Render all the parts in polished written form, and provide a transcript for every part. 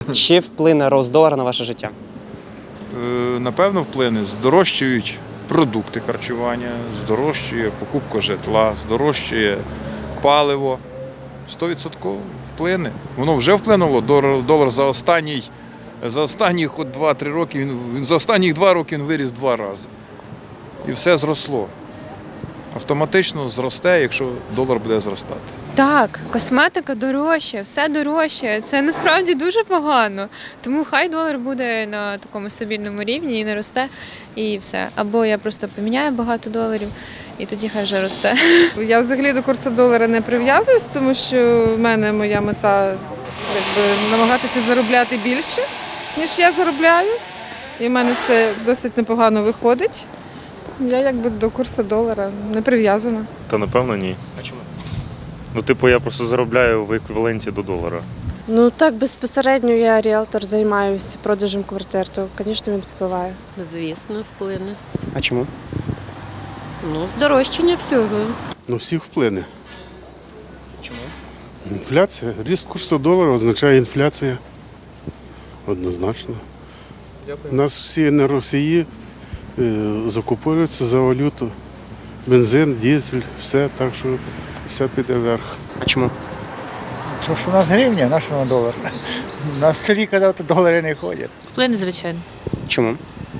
Чи вплине рост долара на ваше життя? Напевно, вплине. Здорожчують продукти харчування, здорожчує покупка житла, здорожчує паливо. 100% вплине. Воно вже вплинуло. Долар за останніх 2-3 роки, за останніх 2 роки він виріс 2 рази. І все зросло. Автоматично зросте, якщо долар буде зростати. Так, косметика дорожча, все дорожче. Це насправді дуже погано. Тому хай долар буде на такому стабільному рівні і не росте, і все. Або я просто поміняю багато доларів, і тоді хай вже росте. Я взагалі до курсу долара не прив'язуюсь, тому що в мене моя мета намагатися заробляти більше, ніж я заробляю. І в мене це досить непогано виходить. Я до курсу долара не прив'язана. Та напевно ні. А чому? Я просто заробляю в еквіваленті до долара. Ну так, безпосередньо я ріелтор, займаюся продажем квартир, то, звісно, він впливає. Звісно, вплине. А чому? Здорожчання всього. Всіх вплине. Чому? Інфляція. Ріст курсу долара означає інфляція. Однозначно. Дякую. У нас всі енергоносії закуповуються за валюту. Бензин, дизель, все, так що все піде вверх. А чому? Тому що у нас гривня, наш долар. У нас в селі казав, то долари не ходять. Вплине, звичайно. Чому?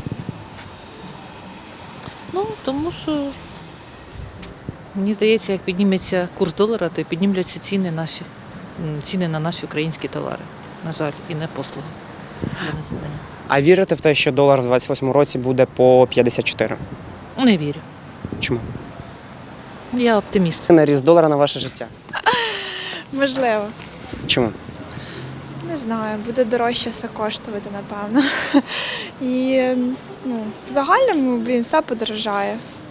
Тому що, мені здається, як підніметься курс долара, то й піднімляться ціни на наші українські товари, на жаль, і на послуги для населення. А вірите в те, що долар в 28-му році буде по 54? Не вірю. Чому? Я оптиміст. Вплине ріст долара на ваше життя? Можливо. Чому? Не знаю, буде дорожче все коштувати, напевно. І в загальному, все подорожає.